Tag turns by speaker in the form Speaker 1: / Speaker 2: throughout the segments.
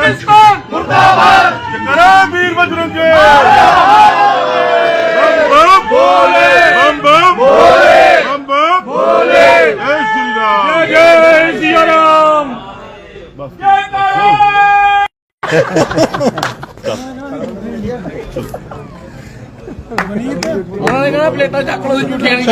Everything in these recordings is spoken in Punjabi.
Speaker 1: पाकिस्तान मुर्दाबाद
Speaker 2: जयकारा वीर बजरंगे
Speaker 1: बोले
Speaker 2: बम बम
Speaker 1: बोले
Speaker 2: बम बम
Speaker 1: बोले
Speaker 2: जय श्री राम
Speaker 1: जय सिया राम उन्होंने कहा प्लेटा चक लो झूठियां नहीं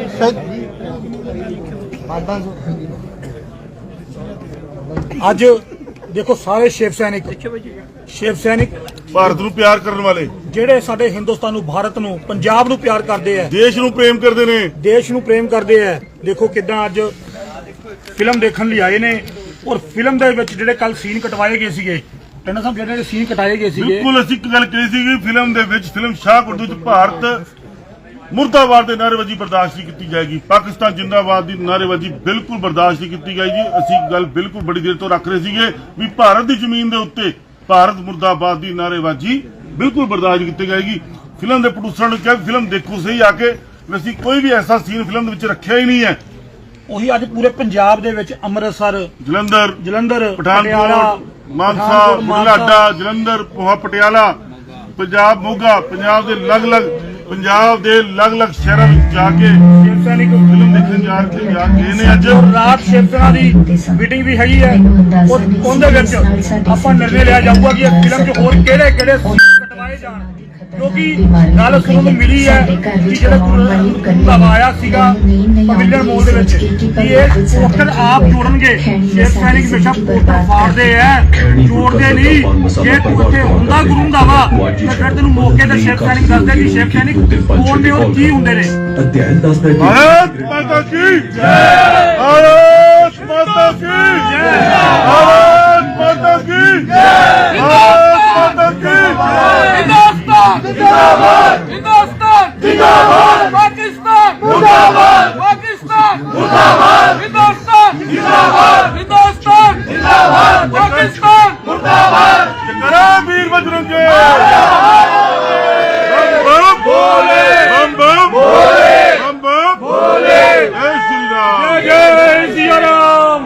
Speaker 3: ਅੱਜ ਦੇਖੋ ਸਾਰੇ ਸ਼ਿਵ ਸੈਨਿਕ
Speaker 2: ਭਾਰਤ ਨੂੰ ਪਿਆਰ ਕਰਨ ਵਾਲੇ
Speaker 3: ਜਿਹੜੇ ਸਾਡੇ ਹਿੰਦੁਸਤਾਨ ਨੂੰ ਭਾਰਤ ਨੂੰ ਪੰਜਾਬ ਨੂੰ ਪਿਆਰ ਕਰਦੇ ਆ
Speaker 2: ਦੇਸ਼ ਨੂੰ ਪ੍ਰੇਮ ਕਰਦੇ ਨੇ
Speaker 3: ਦੇਸ਼ ਨੂੰ ਪ੍ਰੇਮ ਕਰਦੇ ਆ ਦੇਖੋ ਕਿਦਾਂ ਅੱਜ ਫਿਲਮ ਦੇਖਣ ਲਈ ਆਏ ਨੇ ਔਰ ਫਿਲਮ ਦੇ ਵਿੱਚ ਜਿਹੜੇ ਕੱਲ ਸੀਨ ਕਟਵਾਏ ਗਏ ਸੀਗੇ ਟੰਡਾ ਸਾਹਿਬ ਜਿਹੜੇ ਸੀਨ ਕਟਾਏ ਗਏ ਸੀਗੇ
Speaker 2: ਬਿਲਕੁਲ ਅਸੀਂ ਇੱਕ ਗੱਲ ਕਹੀ ਸੀ ਕਿ ਫਿਲਮ ਦੇ ਵਿੱਚ ਫਿਲਮ ਸ਼ਾਹਕੋਟ ਵਿੱਚ ਭਾਰਤ ਮੁਰਦਾਬਾਦ ਦੇ ਨਾਅਰੇਬਾਜ਼ੀ ਬਰਦਾਸ਼ਤ ਨਹੀਂ ਕੀਤੀ ਜਾਏਗੀ ਪਾਕਿਸਤਾਨ ਜਿੰਦਾਬਾਦ ਦੀ ਨਾਅਰੇਬਾਜ਼ੀ ਬਿਲਕੁਲ ਬਰਦਾਸ਼ਤ ਨਹੀਂ ਕੀਤੀ ਗਈ ਜੀ ਅਸੀਂ ਗੱਲ ਬਿਲਕੁਲ ਬੜੀ ਦੇਰ ਤੋਂ ਰੱਖ ਰਹੇ ਸੀਗੇ ਵੀ ਭਾਰਤ ਦੀ ਜ਼ਮੀਨ ਦੇ ਉੱਤੇ ਭਾਰਤ ਮੁਰਦਾਬਾਦ ਦੀ ਨਾਅਰੇਬਾਜ਼ੀ ਬਿਲਕੁਲ ਬਰਦਾਸ਼ਤ ਨਹੀਂ ਕੀਤੀ ਜਾਏਗੀ ਫਿਲਮ ਦੇ ਪ੍ਰੋਡਿਊਸਰ ਨੂੰ ਕਿਹਾ ਫਿਲਮ ਦੇਖੋ ਸਹੀ ਆ ਕੇ ਅਸੀਂ ਕੋਈ ਵੀ ਐਸਾ ਸੀਨ ਫਿਲਮ ਦੇ ਵਿੱਚ ਰੱਖਿਆ ਹੀ ਨਹੀਂ ਹੈ
Speaker 3: ਉਹੀ ਅੱਜ ਪੂਰੇ ਪੰਜਾਬ ਦੇ ਵਿੱਚ ਅੰਮ੍ਰਿਤਸਰ
Speaker 2: ਜਲੰਧਰ
Speaker 3: ਪਟਿਆਲਾ
Speaker 2: ਮਾਨਸਾ ਬੁਢਲਾਡਾ ਜਲੰਧਰ ਪਟਿਆਲਾ ਪੰਜਾਬ ਮੋਗਾ ਪੰਜਾਬ ਦੇ ਅਲੱਗ-ਅਲੱਗ ਸ਼ਹਿਰਾਂ ਵਿੱਚ ਜਾ ਕੇ
Speaker 3: ਸ਼ਿਵ ਸੈਨਿਕ
Speaker 2: ਫਿਲਮ ਦੇਖਣ ਜਾ ਕੇ ਨੇ ਅੱਜ
Speaker 3: ਰਾਤ ਸ਼ਿਵ ਸੈਨਾ ਦੀ ਮੀਟਿੰਗ ਵੀ ਹੈਗੀ ਹੈ ਔਰ ਉਹਦੇ ਵਿੱਚ ਆਪਾਂ ਨਿਰਣੇ ਲਿਆ ਜਾਊਗਾ ਕਿ ਇਹ ਫਿਲਮ 'ਚ ਹੋਰ ਕਿਹੜੇ ਕਟਵਾਏ ਜਾਣ ਕਿਉਂਕਿ ਗੱਲ ਸੁਣਨ ਨੂੰ ਮਿਲੀ ਹੈ ਕਿ ਜਿਹੜਾ ਗੁਰੂ ਆਇਆ ਸੀਗਾ ਪਵਿੱਤਰ ਮੋਲ ਦੇ ਵਿੱਚ ਕਿ ਇਹ ਪੋਸਟਰ ਆਪ ਜੋੜਨਗੇ ਸ਼ਿਵ ਸੈਨਿਕ ਹਮੇਸ਼ਾ ਪੋਸਟਰ ਫਾੜਦੇ ਐ ਜੋੜਦੇ ਨਹੀਂ ਜੇ ਤੂੰ ਉੱਥੇ ਹੁੰਦਾ ਗੁਰੂ ਦਾ ਵਾ ਤਾਂ ਫਿਰ ਤੈਨੂੰ ਮੌਕੇ ਤੇ ਸ਼ਿਵ ਸੈਨਿਕ ਦੱਸਦੇ ਕਿ ਸ਼ਿਵ ਸੈਨਿਕ ਕੌਣ ਨੇ ਔਰ ਕੀ ਹੁੰਦੇ ਨੇ
Speaker 2: भारत माता की जय भारत माता की जय भारत माता की जय भारत माता की
Speaker 1: हिंदुस्तान जिंदाबाद हिंदुस्तान जिंदाबाद पाकिस्तान मुर्दाबाद पाकिस्तान मुर्दाबाद हिंदुस्तान जिंदाबाद हिंदुस्तान जिंदाबाद पाकिस्तान मुर्दाबाद
Speaker 2: जयकारा वीर बजरंगे
Speaker 1: बोले
Speaker 2: बम बम
Speaker 1: बोले
Speaker 2: बम बम
Speaker 1: बोले
Speaker 2: जय श्री राम
Speaker 1: जय सिया राम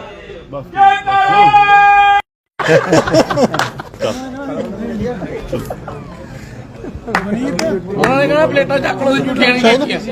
Speaker 1: उन्होंने कहा प्लेटा चक लो झूठियां नहीं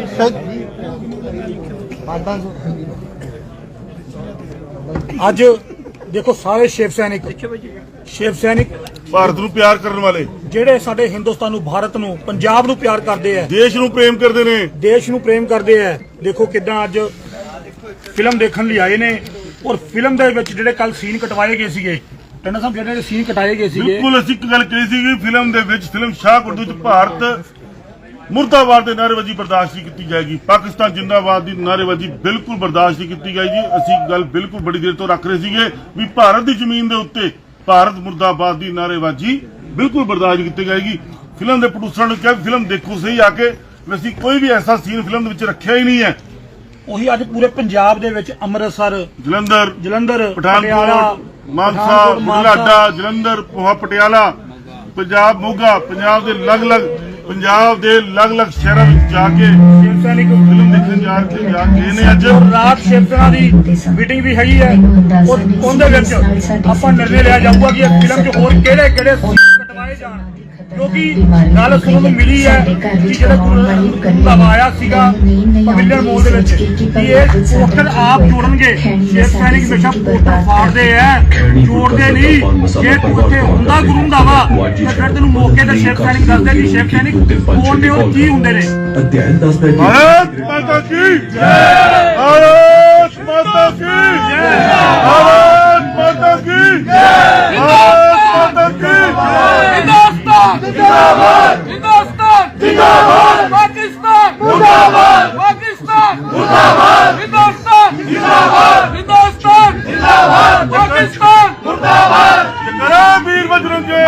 Speaker 3: ਅੱਜ ਦੇਖੋ ਸਾਰੇ ਸ਼ਿਵ ਸੈਨਿਕ
Speaker 2: ਭਾਰਤ ਨੂੰ ਪਿਆਰ ਕਰਨ ਵਾਲੇ
Speaker 3: ਜਿਹੜੇ ਸਾਡੇ ਹਿੰਦੁਸਤਾਨ ਨੂੰ ਭਾਰਤ ਨੂੰ ਪੰਜਾਬ ਨੂੰ ਪਿਆਰ ਕਰਦੇ ਆ
Speaker 2: ਦੇਸ਼ ਨੂੰ ਪ੍ਰੇਮ ਕਰਦੇ ਨੇ
Speaker 3: ਦੇਸ਼ ਨੂੰ ਪ੍ਰੇਮ ਕਰਦੇ ਆ ਦੇਖੋ ਕਿਦਾਂ ਅੱਜ ਫਿਲਮ ਦੇਖਣ ਲਈ ਆਏ ਨੇ ਔਰ ਫਿਲਮ ਦੇ ਵਿੱਚ ਜਿਹੜੇ ਕੱਲ ਸੀਨ ਕਟਵਾਏ ਗਏ ਸੀਗੇ ਟੰਡਾ ਸਾਹਿਬ ਜਿਹੜੇ ਸੀਨ ਕਟਾਏ ਗਏ ਸੀਗੇ
Speaker 2: ਬਿਲਕੁਲ ਅਸੀਂ ਇੱਕ ਗੱਲ ਕਹੀ ਸੀ ਕਿ ਫਿਲਮ ਦੇ ਵਿੱਚ ਫਿਲਮ ਸ਼ਾਹਕੋਟ ਵਿੱਚ ਭਾਰਤ ਮੁਰਦਾਬਾਦ ਦੇ ਨਾਅਰੇਬਾਜ਼ੀ ਬਰਦਾਸ਼ਤ ਨਹੀਂ ਕੀਤੀ ਜਾਏਗੀ ਪਾਕਿਸਤਾਨ ਜਿੰਦਾਬਾਦ ਦੀ ਨਾਅਰੇਬਾਜ਼ੀ ਬਿਲਕੁਲ ਬਰਦਾਸ਼ਤ ਨਹੀਂ ਕੀਤੀ ਗਈ ਜੀ ਅਸੀਂ ਗੱਲ ਬਿਲਕੁਲ ਬੜੀ ਦੇਰ ਤੋਂ ਰੱਖ ਰਹੇ ਸੀਗੇ ਵੀ ਭਾਰਤ ਦੀ ਜ਼ਮੀਨ ਦੇ ਉੱਤੇ ਭਾਰਤ ਮੁਰਦਾਬਾਦ ਦੀ ਨਾਅਰੇਬਾਜ਼ੀ ਬਿਲਕੁਲ ਬਰਦਾਸ਼ਤ ਨਹੀਂ ਕੀਤੀ ਜਾਏਗੀ ਫਿਲਮ ਦੇ ਪ੍ਰੋਡਿਊਸਰ ਨੂੰ ਕਿਹਾ ਫਿਲਮ ਦੇਖੋ ਸਹੀ ਆ ਕੇ ਅਸੀਂ ਕੋਈ ਵੀ ਐਸਾ ਸੀਨ ਫਿਲਮ ਦੇ ਵਿੱਚ ਰੱਖਿਆ ਹੀ ਨਹੀਂ ਹੈ
Speaker 3: ਉਹੀ ਅੱਜ ਪੂਰੇ ਪੰਜਾਬ ਦੇ ਵਿੱਚ ਅੰਮ੍ਰਿਤਸਰ
Speaker 2: ਜਲੰਧਰ
Speaker 3: ਪਟਿਆਲਾ
Speaker 2: ਮਾਨਸਾ ਬੁਢਲਾਡਾ ਜਲੰਧਰ ਪਟਿਆਲਾ ਪੰਜਾਬ ਮੋਗਾ ਪੰਜਾਬ ਦੇ ਅਲੱਗ-ਅਲੱਗ ਸ਼ਹਿਰਾਂ ਵਿੱਚ ਜਾ ਕੇ
Speaker 3: ਸ਼ਿਵ ਸੈਨਿਕ
Speaker 2: ਫਿਲਮ ਦੇਖਣ ਜਾ ਕੇ ਨੇ ਅੱਜ
Speaker 3: ਰਾਤ ਸ਼ਿਵ ਸੈਨਾ ਦੀ ਮੀਟਿੰਗ ਵੀ ਹੈਗੀ ਹੈ ਔਰ ਉਹਦੇ ਵਿੱਚ ਆਪਾਂ ਨਿਰਣੇ ਲਿਆ ਜਾਊਗਾ ਕਿ ਇਹ ਫਿਲਮ 'ਚ ਹੋਰ ਕਿਹੜੇ ਕਟਵਾਏ ਜਾਣ ਕਿਉਂਕਿ ਗੱਲ ਸੁਣਨ ਨੂੰ ਮਿਲੀ ਹੈ ਕਿ ਜਿਹੜਾ ਗੁਰੂ ਆਇਆ ਸੀਗਾ ਪਵਿੱਤਰ ਮੋਲ ਦੇ ਵਿੱਚ ਕਿ ਇਹ ਪੋਸਟਰ ਆਪ ਜੋੜਨਗੇ ਸ਼ਿਵ ਸੈਨਿਕ ਹਮੇਸ਼ਾ ਪੋਸਟਰ ਫਾੜਦੇ ਐ ਜੋੜਦੇ ਨਹੀਂ ਜੇ ਤੂੰ ਉੱਥੇ ਹੁੰਦਾ ਗੁਰੂ ਦਾ ਵਾ ਤਾਂ ਫਿਰ ਤੈਨੂੰ ਮੌਕੇ ਤੇ ਸ਼ਿਵ ਸੈਨਿਕ ਦੱਸਦੇ ਕਿ ਸ਼ਿਵ ਸੈਨਿਕ ਕੌਣ ਨੇ ਔਰ ਕੀ ਹੁੰਦੇ ਨੇ
Speaker 2: भारत माता की जय भारत माता की जय भारत माता की जय भारत माता की
Speaker 1: हिंदुस्तान जिंदाबाद हिंदुस्तान जिंदाबाद पाकिस्तान मुर्दाबाद पाकिस्तान मुर्दाबाद हिंदुस्तान जिंदाबाद हिंदुस्तान जिंदाबाद पाकिस्तान मुर्दाबाद
Speaker 2: जयकारा वीर बजरंगे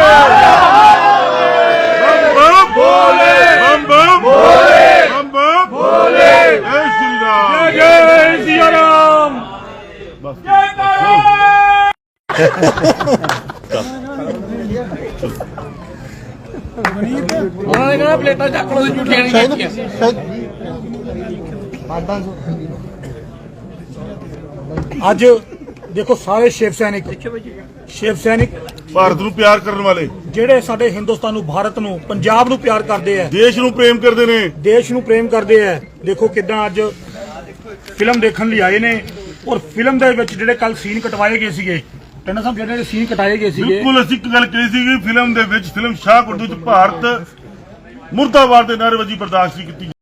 Speaker 1: बोले
Speaker 2: बम बम
Speaker 1: बोले
Speaker 2: बम बम
Speaker 1: बोले
Speaker 2: जय श्री राम
Speaker 1: जय सिया राम उन्होंने कहा प्लेटा चक लो झूठियां नहीं
Speaker 3: ਅੱਜ ਦੇਖੋ ਸਾਰੇ ਸ਼ਿਵ ਸੈਨਿਕ
Speaker 2: ਭਾਰਤ ਨੂੰ ਪਿਆਰ ਕਰਨ ਵਾਲੇ,
Speaker 3: ਜਿਹੜੇ ਸਾਡੇ ਹਿੰਦੁਸਤਾਨ ਨੂੰ, ਭਾਰਤ ਨੂੰ, ਪੰਜਾਬ ਨੂੰ ਪਿਆਰ ਕਰਦੇ ਆ,
Speaker 2: ਦੇਸ਼ ਨੂੰ ਪ੍ਰੇਮ ਕਰਦੇ ਨੇ।
Speaker 3: ਦੇਸ਼ ਨੂੰ ਪ੍ਰੇਮ ਕਰਦੇ ਆ। ਦੇਖੋ ਕਿਦਾਂ ਅੱਜ ਫਿਲਮ ਦੇਖਣ ਲਈ ਆਏ ਨੇ, ਔਰ ਫਿਲਮ ਦੇ ਵਿੱਚ ਜਿਹੜੇ ਕੱਲ ਸੀਨ ਕਟਵਾਏ ਗਏ ਸੀਗੇ, ਟੰਡਾ ਸਾਹਿਬ, ਜਿਹੜੇ ਸੀਨ ਕਟਾਏ ਗਏ ਸੀਗੇ,
Speaker 2: ਬਿਲਕੁਲ ਅਸੀਂ ਇੱਕ ਗੱਲ ਕਹੀ ਸੀ ਕਿ ਫਿਲਮ ਦੇ ਵਿੱਚ ਫਿਲਮ ਸ਼ਾਹਕੋਟ ਦੇ ਵਿੱਚ ਭਾਰਤ ਮੁਰਦਾਬਾਦ ਦੇ ਨਾਅਰੇਬਾਜ਼ੀ ਬਰਦਾਸ਼ਤ ਨਹੀਂ ਕੀਤੀ